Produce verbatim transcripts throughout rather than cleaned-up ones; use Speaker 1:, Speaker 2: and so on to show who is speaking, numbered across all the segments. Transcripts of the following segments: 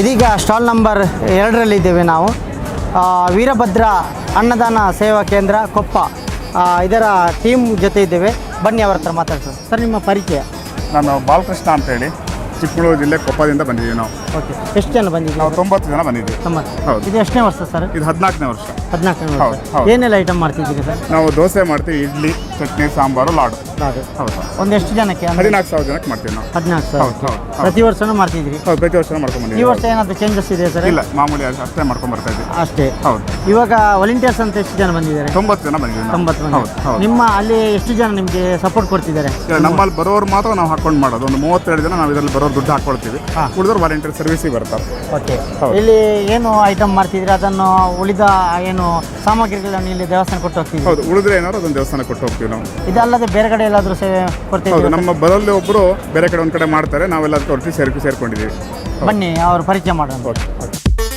Speaker 1: ಇದೀಗ stall number ಎರಡರಲ್ಲಿದ್ದೇವೆ ನಾವು. ವೀರಭದ್ರ ಅನ್ನದಾನ ಸೇವಾ ಕೇಂದ್ರ ಕೊಪ್ಪ ಇದರ ಟೀಮ್ ಜೊತೆ ಇದ್ದೇವೆ. ಬನ್ನಿ ಅವರ ಹತ್ರ ಮಾತಾಡ್ಸೋಣ. ಸರ್, ನಿಮ್ಮ ಪರಿಚಯ?
Speaker 2: ನಾನು ಬಾಲಕೃಷ್ಣ ಅಂತೇಳಿ ಚಿಕ್ಕಮಗಳೂರು ಜಿಲ್ಲೆ ಕೊಪ್ಪದಿಂದ ಬಂದಿದ್ದೀವಿ ನಾವು.
Speaker 1: ಓಕೆ, ಎಷ್ಟು ಜನ ಬಂದಿದ್ದೀವಿ?
Speaker 2: ನಾವು ತೊಂಬತ್ತು ಜನ ಬಂದಿದ್ದೀವಿ.
Speaker 1: ತೊಂಬತ್ತು.
Speaker 2: ಹೌದು.
Speaker 1: ಇದು ಎಷ್ಟನೇ ವರ್ಷ ಸರ್?
Speaker 2: ಇದು ಹದಿನಾಲ್ಕನೇ ವರ್ಷ.
Speaker 1: ಹದಿನಾಲ್ಕನೇ
Speaker 2: ಹೌದು,
Speaker 1: ವರ್ಷ.
Speaker 2: ಹೌದು.
Speaker 1: ಏನೆಲ್ಲ ಐಟಮ್ ಮಾಡ್ತಿದ್ದೀರಿ ಸರ್?
Speaker 2: ನಾವು ದೋಸೆ ಮಾಡ್ತೀವಿ, ಇಡ್ಲಿ, ಚಟ್ನಿ, ಸಾಂಬಾರು, ಲಾಡು.
Speaker 1: ಲಾಡು.
Speaker 2: ಹೌದು.
Speaker 1: ಒಂದೆಷ್ಟು ಜನಕ್ಕೆ?
Speaker 2: ಹದಿನಾಲ್ಕು ಸಾವಿರ ಜನಕ್ಕೆ ಮಾಡ್ತೀವಿ ನಾವು.
Speaker 1: ಹದಿನಾಲ್ಕು
Speaker 2: ಹೌದು,
Speaker 1: ಸಾವಿರ.
Speaker 2: ಹೌದು, ಹೌದು.
Speaker 1: ಪ್ರತಿ ವರ್ಷನೂ ಮಾಡ್ತಿದ್ರಿ?
Speaker 2: ಹೌದು, ಪ್ರತಿ ವರ್ಷ ಮಾಡ್ಕೊಂಡು
Speaker 1: ಈ
Speaker 2: ಬಂದಿದ್ದೀವಿ.
Speaker 1: ವರ್ಷ ಏನಾದರೂ ಚೇಂಜಸ್ ಇದೆ ಸರ್?
Speaker 2: ಇಲ್ಲ, ಮಾಮೂಲಿ ಅಷ್ಟೇ ಮಾಡ್ಕೊಂಡು ಬರ್ತಾ ಇದ್ದೀವಿ.
Speaker 1: ಅಷ್ಟೇ.
Speaker 2: ಹೌದು.
Speaker 1: ಇವಾಗ ವಾಲಂಟಿಯರ್ಸ್ ಅಂತ ಎಷ್ಟು ಜನ ಬಂದಿದ್ದಾರೆ?
Speaker 2: ತೊಂಬತ್ತು ಜನ ಬಂದಿದ್ದೀವಿ ನಾವು.
Speaker 1: ತೊಂಬತ್ತು ಮಂದಿ.
Speaker 2: ಹೌದು, ಹೌದು.
Speaker 1: ನಿಮ್ಮ ಅಲ್ಲಿ ಎಷ್ಟು ಜನ ನಿಮಗೆ ಸಪೋರ್ಟ್ ಕೊಡ್ತಿದ್ದಾರೆ?
Speaker 2: ಇಲ್ಲ, ನಮ್ಮಲ್ಲಿ ಬರೋರು ಮಾತ್ರ ನಾವು ಹಾಕೊಂಡು ಮಾಡೋದು. ಒಂದು ಮೂವತ್ತೆರಡು ಜನ ನಾವು ಇದರಲ್ಲಿ ಬರೋರು ದುಡ್ಡು ಹಾಕೊಳ್ತೀವಿ.
Speaker 1: ಹಾ.
Speaker 2: ಉಳಿದವರು ವಾಲಂಟಿಯರ್ ಸರ್ವಿಸಿಗೆ ಬರ್ತಾರೆ.
Speaker 1: ಓಕೆ.
Speaker 2: ಹೌದು.
Speaker 1: ಇಲ್ಲಿ ಏನು ಐಟಮ್ ಮಾಡ್ತಿದ್ರಿ? ಅದನ್ನು ಉಳಿದ ಏನು ಸಾಮಗ್ರಿಗಳನ್ನು ಇಲ್ಲಿ ದೇವಸ್ಥಾನ ಕೊಟ್ಟು ಹೋಗ್ತಿದ್ವಿ?
Speaker 2: ಹೌದು, ಉಳಿದ್ರೆ ಏನಾದ್ರು ಅದೊಂದು ದೇವಸ್ಥಾನ ಕೊಟ್ಟು ಹೋಗ್ತೀವಿ ನಾವು.
Speaker 1: ಇದಲ್ಲದೆ ಬೇರೆ ಕಡೆ ಎಲ್ಲಾದರೂ ಸೇವೆ
Speaker 2: ಹೌದು,
Speaker 1: ಕೊಡ್ತಿದ್ದೀವಿ?
Speaker 2: ನಮ್ಮ ಬರಲ್ಲಿ ಒಬ್ಬರು ಬೇರೆ ಕಡೆ ಒಂದು ಕಡೆ ಮಾಡ್ತಾರೆ, ನಾವೆಲ್ಲ ಅದಕ್ಕೆ ಒಟ್ಟಿಗೆ ಸೇರ್ಕೊ ಸೇರ್ಕೊಂಡಿದ್ದೀವಿ.
Speaker 1: ಬನ್ನಿ ಅವ್ರ ಪರಿಚಯ ಮಾಡೋಣ.
Speaker 2: Okay, okay.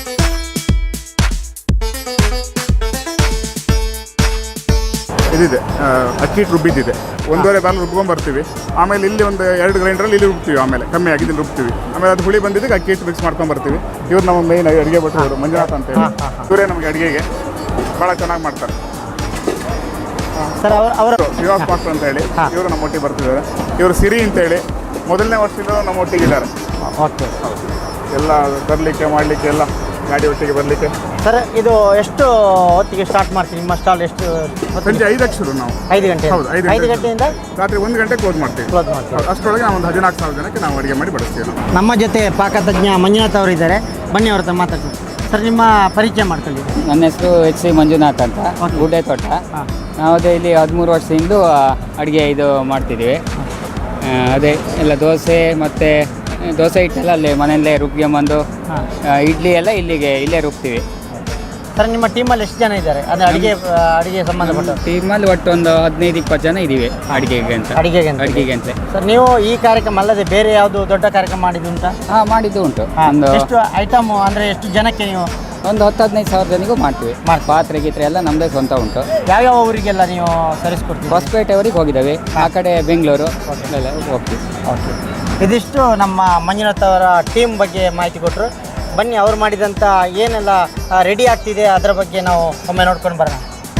Speaker 2: ಇದಿದೆ, ಆ, ಅಕ್ಕಿ ಹಿಟ್ಟು ರುಬ್ಬಿದ್ದಿದೆ. ಒಂದೂವರೆ ಬಾಲ್ ರುಬ್ಕೊಂಡು ಬರ್ತೀವಿ. ಆಮೇಲೆ ಇಲ್ಲಿ ಒಂದು ಎರಡು ಗ್ರೈಂಡ್ರಲ್ಲಿ ಇಲ್ಲಿ ರುಬ್ತೀವಿ. ಆಮೇಲೆ ಕಮ್ಮಿ ಆಗಿದೆ ಇಲ್ಲಿ ರುಬ್ತೀವಿ. ಆಮೇಲೆ ಅದು ಹುಳಿ ಬಂದಿದ್ದಕ್ಕೆ ಅಕ್ಕಿ ಹಿಟ್ಟು ಮಿಕ್ಸ್ ಮಾಡ್ಕೊಂಡು ಬರ್ತೀವಿ. ಇವ್ರು ನಮ್ಮ ಮೇನ್ ಅಡುಗೆ ಭಟ್ರು ಮಂಜುನಾಥ್ ಅಂತೇಳಿ. ಇವರೇ ನಮಗೆ ಅಡುಗೆಗೆ ಭಾಳ ಚೆನ್ನಾಗಿ ಮಾಡ್ತಾರೆ.
Speaker 1: ಸರ್, ಅವ್ರ ಅವರ
Speaker 2: ಶ್ರೀನಿವಾಸ್ ಮಾಸ್ಟರ್ ಅಂತ ಹೇಳಿ
Speaker 1: ಹಾ.
Speaker 2: ಇವರು ನಮ್ಮ ಒಟ್ಟಿಗೆ ಬರ್ತಿದ್ದಾರೆ. ಇವರು ಸಿರಿ ಅಂತೇಳಿ ಮೊದಲನೇ ವರ್ಷದಿಂದ ನಮ್ಮ ಒಟ್ಟಿಗಿದ್ದಾರೆ.
Speaker 1: ಓಕೆ.
Speaker 2: ಎಲ್ಲ ಬರಲಿಕ್ಕೆ ಮಾಡಲಿಕ್ಕೆ ಎಲ್ಲ ಗಾಡಿ ಒಟ್ಟಿಗೆ ಬರಲಿಕ್ಕೆ.
Speaker 1: ಸರ್, ಇದು ಎಷ್ಟು ಹೊತ್ತಿಗೆ ಸ್ಟಾರ್ಟ್ ಮಾಡ್ತೀವಿ? ನಿಮ್ಮ ಸ್ಟಾಲ್ ಎಷ್ಟು ಹೊತ್ತಿಗೆ?
Speaker 2: ಸಂಜೆ ಐದಕ್ಕೆ ಶುರು ನಾವು.
Speaker 1: ಐದು ಗಂಟೆ.
Speaker 2: ಹೌದು, ಐದು
Speaker 1: ಐದು
Speaker 2: ಗಂಟೆ.
Speaker 1: ಗಂಟೆಯಿಂದ
Speaker 2: ರಾತ್ರಿ ಒಂದು ಗಂಟೆ ಕ್ಲೋಸ್ ಮಾಡ್ತೀವಿ.
Speaker 1: ಕ್ಲೋಸ್ ಮಾಡ್ತೀವಿ.
Speaker 2: ಹೌದು, ಅಷ್ಟರೊಳಗೆ ನಾವು ಒಂದು ಹದಿನಾಲ್ಕು ಸಾವಿರ ಜನಕ್ಕೆ ನಾವು ಅಡುಗೆ ಮಾಡಿ ಬಡಿಸ್ತೀವಿ ನಾವು.
Speaker 1: ನಮ್ಮ ಜೊತೆ ಪಾಕತಜ್ಞ ಮಂಜುನಾಥ್ ಅವರು ಇದ್ದಾರೆ. ಬನ್ನಿ ಅವ್ರ ಹತ್ರ ಮಾತಾಡ್ತೀವಿ. ಸರ್, ನಿಮ್ಮ ಪರಿಚಯ ಮಾಡ್ಕೊಳ್ಳಿ.
Speaker 3: ನನ್ನ ಹೆಸರು ಎಚ್ ಸಿ ಮಂಜುನಾಥ್ ಅಂತ,
Speaker 1: Okay.
Speaker 3: ಗುಡ್ಡೆ ತೋಟ.
Speaker 1: ಹಾಂ.
Speaker 3: ನಾವು ಅದೇ ಇಲ್ಲಿ ಹದಿಮೂರು ವರ್ಷದಿಂದ ಅಡುಗೆ ಇದು ಮಾಡ್ತಿದ್ದೀವಿ. ಆ, ಅದೇ ಎಲ್ಲ ದೋಸೆ ಮತ್ತು ದೋಸೆ ಹಿಟ್ಟೆಲ್ಲ ಅಲ್ಲಿ ಮನೆಯಲ್ಲೇ ರುಬ್ಕೊಂಬಂದು,
Speaker 1: ಹಾಂ.
Speaker 3: ಆ, ಇಡ್ಲಿ ಎಲ್ಲ ಇಲ್ಲಿಗೆ ಇಲ್ಲೇ ರುಬ್ತೀವಿ.
Speaker 1: ಸರ್, ನಿಮ್ಮ ಟೀಮಲ್ಲಿ ಎಷ್ಟು ಜನ ಇದ್ದಾರೆ? ಅಂದರೆ ಅಡುಗೆ ಅಡುಗೆ ಸಂಬಂಧಪಟ್ಟ
Speaker 3: ಟೀಮಲ್ಲಿ ಒಟ್ಟು ಒಂದು ಹದಿನೈದು ಇಪ್ಪತ್ತು ಜನ ಇದ್ದೀವಿ ಅಡುಗೆಗೆ ಅಂತ.
Speaker 1: ಅಡುಗೆಗೆ ಅಂತ.
Speaker 3: ಅಡುಗೆಗೆ ಅಂತ.
Speaker 1: ಸರ್, ನೀವು ಈ ಕಾರ್ಯಕ್ರಮ ಅಲ್ಲದೆ ಬೇರೆ ಯಾವುದು ದೊಡ್ಡ ಕಾರ್ಯಕ್ರಮ ಮಾಡಿದ್ದುಂಟಾ?
Speaker 3: ಹಾಂ, ಮಾಡಿದ್ದು ಉಂಟು.
Speaker 1: ಹಾಂ.
Speaker 3: ಒಂದು
Speaker 1: ಎಷ್ಟು ಐಟಮ್ ಅಂದರೆ ಎಷ್ಟು ಜನಕ್ಕೆ ನೀವು
Speaker 3: ಒಂದು ಹತ್ತು ಹದಿನೈದು ಸಾವಿರ ಜನಗೂ ಮಾಡ್ತೀವಿ.
Speaker 1: ಮಾಡ್ತೀವಿ.
Speaker 3: ಪಾತ್ರೆ ಗೀತ್ರೆ ಎಲ್ಲ ನಮ್ಮದೇ ಸ್ವಂತ ಉಂಟು.
Speaker 1: ಯಾವ್ಯಾವ ಊರಿಗೆಲ್ಲ ನೀವು ತರಿಸ್ಕೊಡ್ತೀವಿ?
Speaker 3: ಹೊಸಪೇಟೆವರೆಗೆ ಹೋಗಿದ್ದಾವೆ. ಆ ಕಡೆ ಬೆಂಗಳೂರು ಎಲ್ಲ ಹೋಗ್ತೀವಿ.
Speaker 1: ಓಕೆ. ಇದಿಷ್ಟು ನಮ್ಮ ಮಂಜುನಾಥ್ ಅವರ ಟೀಮ್ ಬಗ್ಗೆ ಮಾಹಿತಿ ಕೊಟ್ಟರು. ಬನ್ನಿ, ಅವ್ರು ಮಾಡಿದಂಥ ಏನೆಲ್ಲ ರೆಡಿ ಆಗ್ತಿದೆ ಅದರ ಬಗ್ಗೆ ನಾವು ಒಮ್ಮೆ ನೋಡ್ಕೊಂಡು ಬರೋಣ.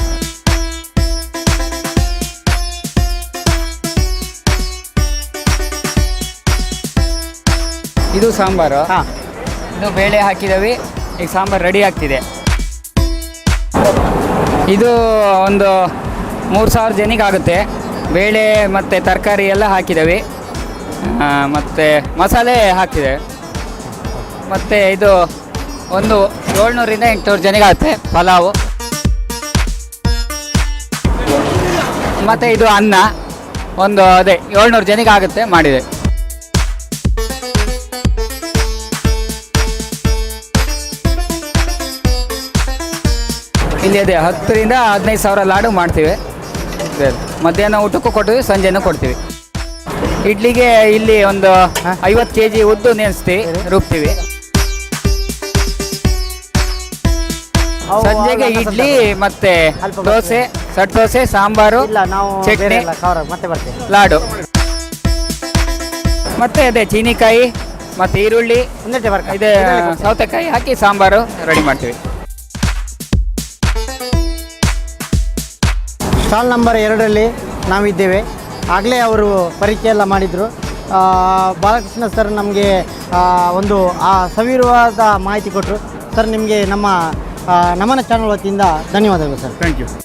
Speaker 3: ಇದು ಸಾಂಬಾರು.
Speaker 1: ಹಾಂ.
Speaker 3: ಇದು ಬೇಳೆ ಹಾಕಿದವಿ. ಈಗ ಸಾಂಬಾರು ರೆಡಿ ಆಗ್ತಿದೆ. ಇದು ಒಂದು ಮೂರು ಸಾವಿರ ಜನಿಗೆ ಆಗುತ್ತೆ. ಬೇಳೆ ಮತ್ತು ತರಕಾರಿ ಎಲ್ಲ ಹಾಕಿದವಿ, ಮತ್ತು ಮಸಾಲೆ ಹಾಕಿದೆ. ಮತ್ತು ಇದು ಒಂದು ಏಳ್ನೂರಿಂದ ಎಂಟುನೂರು ಜನಿಗೆ ಆಗುತ್ತೆ ಪಲಾವು. ಮತ್ತು ಇದು ಅನ್ನ ಒಂದು ಅದೇ ಏಳ್ನೂರು ಜನಿಗೆ ಆಗುತ್ತೆ ಮಾಡಿದೆ. ಇಲ್ಲಿ ಅದೇ ಹತ್ತರಿಂದ ಹದಿನೈದು ಸಾವಿರ ಲಾಡು ಮಾಡ್ತೀವಿ. ಅದೇ ಮಧ್ಯಾಹ್ನ ಊಟಕ್ಕೂ ಕೊಡ್ತೀವಿ, ಸಂಜೆನೂ ಕೊಡ್ತೀವಿ. ಇಡ್ಲಿಗೆ ಇಲ್ಲಿ ಒಂದು ಐವತ್ತು ಕೆ ಜಿ ಉದ್ದು ನೆನೆಸ್ತೀವಿ, ರುಬ್ತೀವಿ.
Speaker 1: ಅವು
Speaker 3: ಸಂಜೆಗೆ
Speaker 1: ಅಲ್ಲ,
Speaker 3: ಇಡ್ಲಿ ಮತ್ತೆ
Speaker 1: ಅಲ್ಪ
Speaker 3: ದೋಸೆ, ಸಟ್ ದೋಸೆ, ಸಾಂಬಾರು,
Speaker 1: ಇಲ್ಲ, ನಾವು
Speaker 3: ಚಟ್ನಿ,
Speaker 1: ಬೇರೆ ಎಲ್ಲ ಕವರ್ ಮತ್ತೆ ಬರ್ತೀವಿ.
Speaker 3: ಲಾಡು. ಮತ್ತೆ ಅದೇ ಚೀನಿಕಾಯಿ ಮತ್ತು ಈರುಳ್ಳಿ,
Speaker 1: ಒಂದೇ ಬರ್ಕ
Speaker 3: ಇದೆ ಸೌತೆಕಾಯಿ ಹಾಕಿ ಸಾಂಬಾರು ರೆಡಿ ಮಾಡ್ತೀವಿ.
Speaker 1: ಸ್ಟಾಲ್ ನಂಬರ್ ಎರಡರಲ್ಲಿ ನಾವಿದ್ದೇವೆ. ಆಗಲೇ ಅವರು ಪರಿಚಯ ಎಲ್ಲ ಮಾಡಿದರು. ಬಾಲಕೃಷ್ಣ ಸರ್ ನಮಗೆ ಒಂದು ಆ ಸವಿರವಾದ ಮಾಹಿತಿ ಕೊಟ್ಟರು. ಸರ್, ನಿಮಗೆ ನಮ್ಮ ನಮನ ಚಾನಲ್ ವತಿಯಿಂದ ಧನ್ಯವಾದಗಳು ಸರ್.
Speaker 2: Thank you.